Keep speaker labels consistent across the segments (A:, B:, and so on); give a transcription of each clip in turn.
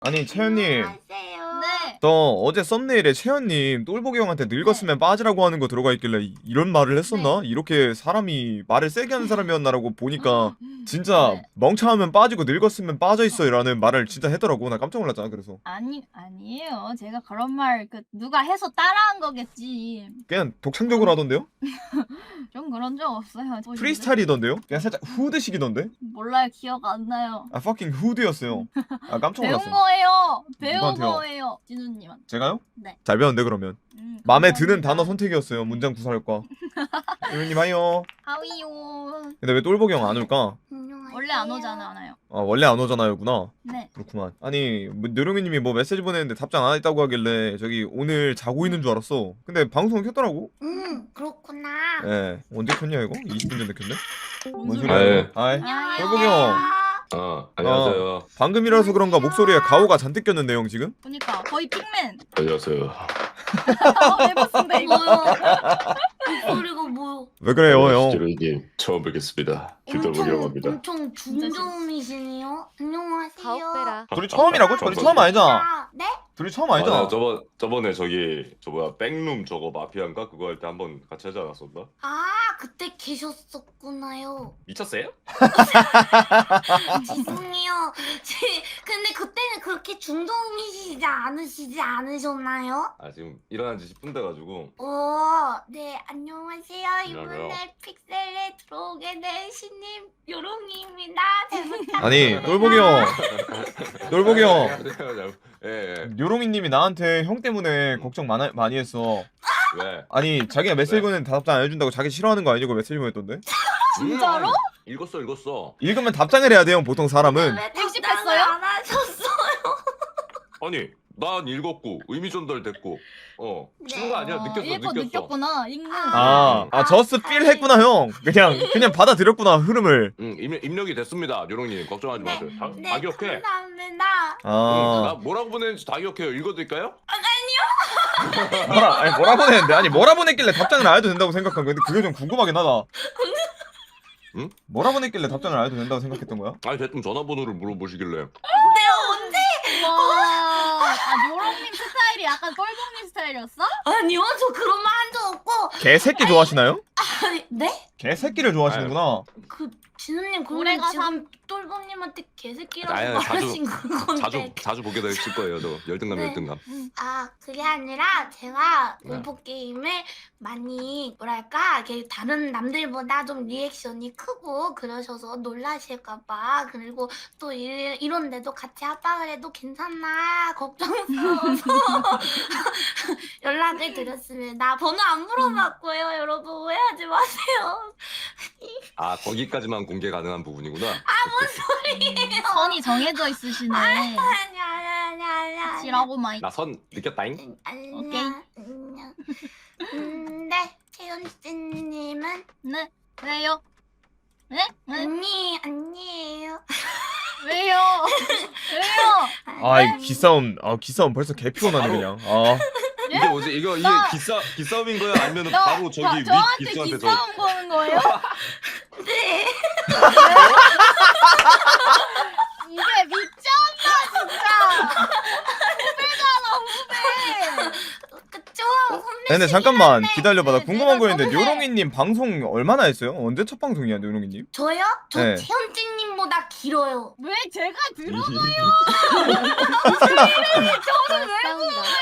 A: 아니 채연님,
B: 네.
A: 저 어제 썸네일에 채연님 똘보기 형한테 늙었으면 빠지라고 하는 거 들어가 있길래 이런 말을 했었나? 이렇게 사람이 말을 세게 하는 사람이었나라고 보니까 진짜
B: 네.
A: 멍청하면 빠지고 늙었으면 빠져있어 라는 말을 진짜 하더라고. 나 깜짝 놀랐잖아. 그래서
B: 아니에요. 제가 그런 말 누가 해서 따라한 거겠지.
A: 그냥 독창적으로 하던데요?
B: 좀 그런 적 없어요.
A: 프리스타일이던데요? 그냥 살짝 후드식이던데?
B: 몰라요. 기억 안 나요.
A: 아 fucking 후드였어요. 아 깜짝
B: 배운
A: 놀랐어요.
B: 거예요. 배운
A: 누구한테요?
B: 거예요. 진우님한테.
A: 제가요?
B: 네.
A: 잘 배웠는데 그러면 마음에 드는
B: 감사합니다.
A: 단어 선택이었어요. 문장 구사할까. 유님 하이요.
B: 하위요.
A: 근데 왜 똘보기 형 안 올까?
B: 원래 안 오잖아요.
A: 아 원래 안 오잖아요구나.
B: 네.
A: 그렇구만. 아니 느룡이님이 뭐 메시지 보냈는데 답장 안 했다고 하길래 저기 오늘 자고 있는 줄 알았어. 근데 방송을 켰더라고.
C: 그렇구나.
A: 예. 언제 켰냐 이거? 20분 전에 켰네? 뭔
B: 뭔
A: 소리야?
D: 아유.
A: 아이.
B: 아,
A: 똘보기 형.
D: 안녕하세요.
A: 방금이라서 그런가 목소리에 가오가 잔뜩 꼈는데 형 지금?
B: 그니까 거의 핑맨.
D: 안녕하세요.
B: 해봤습니다 이거.
C: 목소리가 뭐요?
A: 왜 그래요 형?
D: 지로이님 처음 뵙겠습니다. 길돌보기라고 합니다.
C: 엄청 중저음이시네요. 안녕하세요.
E: 가옥배라.
A: 둘이 처음이라고? 둘이 처음 아니잖아.
C: 네?
A: 둘이 처음 아니잖아.
D: 아니야, 저번에 저기 저 뭐야 백룸 저거 마피아인가 그거 할 때 한번 같이 하지 않았었나?
C: 아, 그때 계셨었구나요.
D: 미쳤어요?
C: 죄송해요. 근데 그때는 그렇게 중저음이시지 않으셨나요?
D: 아 지금 일어난 지 10분 돼가지고.
C: 네, 안녕하세요.
D: 안녕하세요.
C: 이번에 픽셀에 들어오게 된 신님 요롱이입니다. 잘 부탁드립니다.
A: 아니 똘보기 형. 똘보기 형.
D: 예.
A: 요롱이님이 나한테 형 때문에 걱정 많이 했어.
D: 왜?
A: 아니 자기가 메시지 보내는 답장 안 해준다고 자기 싫어하는 거 아니고 메시지 보냈던데?
B: 진짜로?
D: 읽었어.
A: 읽으면 답장을 해야 돼요 보통 사람은.
C: 왜
B: 일십했어요?
C: 답장을 안 하셨어?
D: 아니 난 읽었고 의미 전달됐고 친거 아니야? 느꼈어.
B: 읽고 느꼈구나. 읽는.
A: 저스 필 했구나 형. 그냥 받아들였구나 흐름을.
D: 응 입력이 됐습니다. 요롱님 걱정하지 마세요. 다 기억해.
C: 감사합니다.
D: 나 뭐라고 보냈는지 다 기억해요. 읽어드릴까요?
A: 뭐라 보냈는데? 아니 뭐라 보냈길래 답장을 안 해도 된다고 생각한 건데 그게 좀 궁금하긴 하다.
D: 응?
A: 뭐라 보냈길래 답장을 안 해도 된다고 생각했던 거야?
D: 아니 대뜸 전화번호를 물어보시길래.
C: 내가 언제?
B: 와. 요롱님 스타일이 약간 똘봉님 스타일이었어?
C: 아니요, 저 그런 말 한 적 없고.
A: 개새끼 좋아하시나요?
C: 아니, 네?
A: 개새끼를 좋아하시는구나.
C: 진우님
B: 올해가
C: 그러면 지금 똘봉님한테 개새끼라고
D: 아유,
C: 말하신 건데.
D: 자주 보게 되실 거예요. 저 열등감.
C: 아, 그게 아니라 제가
D: 네.
C: 공포 게임을 많이 뭐랄까 이렇게 다른 남들보다 좀 리액션이 크고 그러셔서 놀라실까봐, 그리고 또 이런데도 같이 합방을 해도 괜찮나 걱정스러워서 연락을 드렸습니다. 번호 안 물어봤고요. 여러분 오해하지 마세요.
D: 아 거기까지만 공개 가능한 부분이구나.
B: 선이 정해져 있으시네.
C: 아니.
B: 지라고 마이.
D: 나 선 느꼈다잉.
C: 안녕. 네, 채연씨님은
B: 네. 왜요? 네?
C: 아니에요.
B: 왜요? 왜요?
A: 아이 기싸움 벌써 개 피곤하네 그냥.
D: 이게 뭐지? 이게 기싸움인 거야? 아니면 바로 저기 위
B: 저한테
D: 기수한테
B: 기싸움 거는 거예요?
C: 네.
B: 이게 미쳤나 진짜. 후배잖아 후배.
C: 그쵸? 선배.
A: 근데 잠깐만 기다려봐. 나
B: 네,
A: 궁금한 거
B: 내가
A: 있는데
B: 저번에-
A: 요롱이님 방송 얼마나 했어요? 언제 첫 방송이야 요롱이님?
C: 저요? 저
A: 네.
C: 채연찡님보다 길어요.
B: 왜 제가 들어?
E: 저는 왜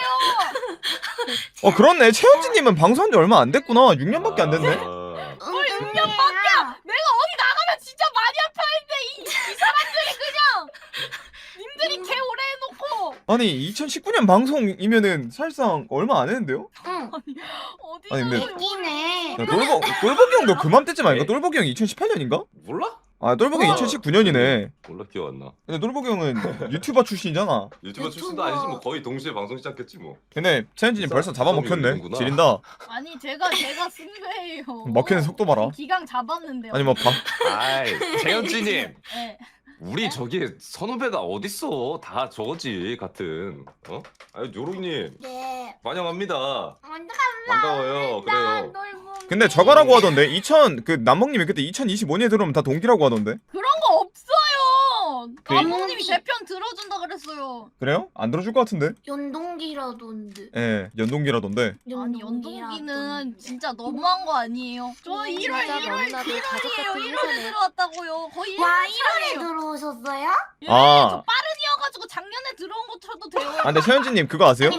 A: 그렇네. 채연지님은 방송한 지 얼마 안 됐구나. 6년밖에 안 됐네.
C: 6년밖에?
B: 내가 어디 나가면 진짜 많이 아파했는데 이 사람들이 그냥 님들이 개 오래 해놓고
A: 아니 2019년 방송이면은 사실상 얼마 안 했는데요?
C: 응.
B: 어디서
A: 아니, 근데-
C: 웃기네.
A: 똘보기 형도 그맘때쯤 아닌가? 똘보기 형이 2018년인가?
D: 몰라?
A: 아 똘보기 형 2019년이네.
D: 몰라 기억 안 나.
A: 근데 똘보기 형은 유튜버 출신이잖아.
D: 유튜버 출신도 아니지 뭐 거의 동시에 방송 시작했지 뭐.
A: 근데 채연지님 벌써
D: 기싸움이
A: 잡아먹혔네.
D: 열리는구나.
A: 지린다.
B: 아니 제가 쓴 거예요.
A: 먹히는 속도 봐라.
B: 기강 잡았는데요.
A: 아니 뭐
D: 아이 재현지님.
B: 네.
D: 우리 저기 선후배가 어딨어? 다 저거지 같은. 아니 요롱님
C: 네.
D: 환영합니다.
C: 완전
D: 반가워요. 그래요.
A: 근데 저거라고 하던데 그 남봉님이 그때 2025년에 들어오면 다 동기라고 하던데.
B: 그런 거 없어요. 감독님이 제 편 들어준다 그랬어요.
A: 그래요? 안 들어줄 것 같은데?
C: 연동기라던데.
A: 예, 연동기라던데.
B: 아니 연동기는 진짜 너무한 거 아니에요? 저 1월
E: 진짜
B: 1월이에요.
E: 너무나도 가족 같은
B: 1월에
E: 회사네.
B: 들어왔다고요. 거의 1년
C: 와 1월에
B: 차예요.
C: 들어오셨어요?
B: 예,
A: 아.
B: 저 빠른이어가지고 작년에 들어온 거 쳐도 돼요.
A: 아, 근데 최현진님 그거 아세요?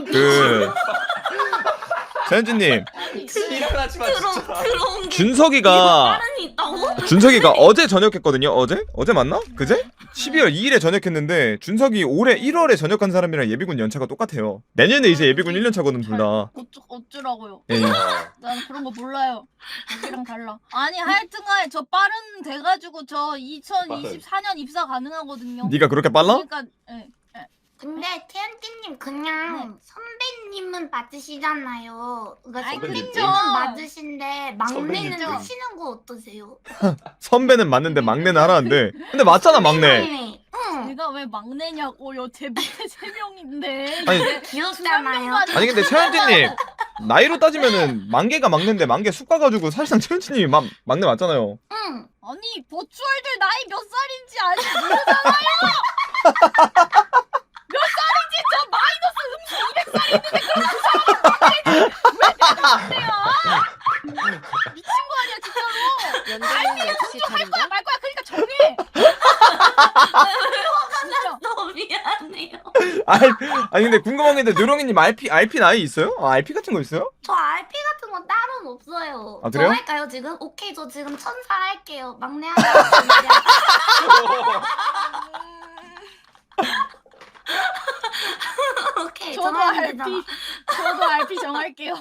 A: 최현진님
B: 아니,
D: 일어나지 마 진짜.
C: 들어온 게
A: 준석이가
C: 빠른이 있다고?
A: 준석이가 어제 전역했거든요. 어제 맞나? 그제? 12월 2일에 전역했는데 준석이 올해 1월에 전역한 사람이랑 예비군 연차가 똑같아요. 내년에 이제 예비군 1년 차거든 둘 다.
B: 어쩌라고요?
A: 예.
B: 난 그런 거 몰라요. 여기랑 달라. 아니 하여튼간에 저 빠른 돼가지고 저 2024년 입사 가능하거든요.
A: 네가 그렇게 빨라?
B: 그러니까 예.
C: 근데 태연띠님 그냥 선배님은 맞으시잖아요. 그러니까
B: 아이,
C: 선배님은
B: 그쵸.
C: 맞으신데 막내는
D: 선배님.
C: 하시는 거 어떠세요?
A: 선배는 맞는데 막내는 하라는데. 근데 맞잖아 막내.
C: 막내. 응.
B: 제가 왜 막내냐고요? 제 밑에 3명인데.
A: 아니,
C: 귀엽잖아요.
A: 아니 근데 최현진님 나이로 따지면은 만개가 막내인데 만개 쑥 가가지고 사실상 최현진님이 막내 맞잖아요.
C: 응.
B: 아니 버추얼들 나이 몇 살인지 아직 모르잖아요. 몇 살인지 저 마이너스 음수 200살인데 그런 사람이 왜 미친 거 아니야 진짜로.
E: 연동이 역시
B: 할
E: 다른가?
B: 거야 말 거야 그러니까 정해. 진짜.
C: 너무 미안해요.
A: 아니 근데 궁금한 게 있는데 누렁이님 RP 나이 있어요? 아, RP 같은 거 있어요?
C: 저 RP 같은 건 따로는 없어요.
A: 아, 그래요?
C: 저 할까요 지금? 오케이 저 지금 천사 할게요. 막내 하겠습니다. 오케이
B: 저도
C: 정하면
B: RP
C: 되잖아.
B: 저도 RP 정할게요.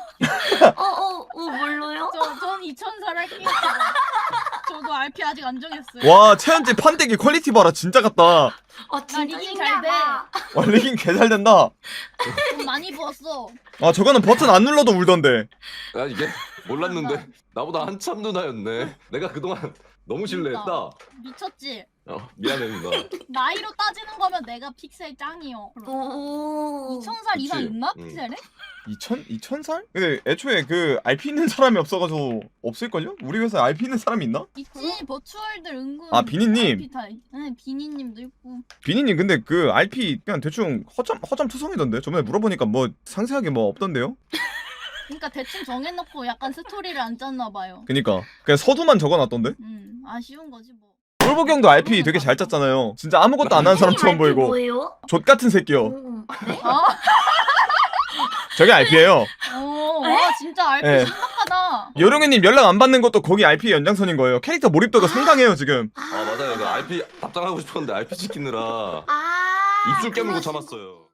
C: 뭘로요?
B: 전 2000살 할게요. 저도 RP 아직 안 정했어요.
A: 와 최현진 판때기 퀄리티 봐라 진짜 같다.
C: 진짜
B: 리딩 잘 돼.
C: 신기하다.
A: 와 리긴 개 잘 된다.
B: 돈 많이 부었어.
A: 아 저거는 버튼 안 눌러도 울던데.
D: 야 이게 몰랐는데 나보다 한참 누나였네. 내가 그동안 너무 신뢰했다.
B: 미쳤지?
D: 미안해 누나.
B: 나이로 따지는 거면 내가 픽셀 짱이요.
C: 오.
B: 2000살 이상
D: 그치.
B: 있나?
D: 응.
B: 픽셀에?
A: 2000살? 근데 애초에 그 RP 있는 사람이 없어가지고 없을걸요? 우리 회사에 RP 있는 사람이 있나?
B: 있지. 버추얼들 은근.
A: 아, 비니님.
B: RP 다 네, 비니님도 있고.
A: 비니님 근데 그 RP 그냥 대충 허점 투성이던데 저번에 물어보니까 뭐 상세하게 뭐 없던데요?
B: 그러니까 대충 정해놓고 약간 스토리를 안 짰나 봐요.
A: 그니까 그냥 서두만 적어놨던데?
B: 아쉬운 거지 뭐.
A: 똘보기 형도 RP 되게 잘 짰잖아요. 진짜 아무것도 안 하는 사람처럼 보이고
C: 뭐예요?
A: 족 같은 새끼요.
C: 네?
B: 아,
A: 저게 RP예요.
B: 와 진짜 RP
A: 네.
B: 신박하다.
A: 요령이님 연락 안 받는 것도 거기 RP 연장선인 거예요. 캐릭터 몰입도가 상당해요 지금.
D: 아 맞아요. 그 RP 답장하고 싶었는데 RP 시키느라
C: 아.
D: 입술 깨물고
C: 그러시-
D: 참았어요.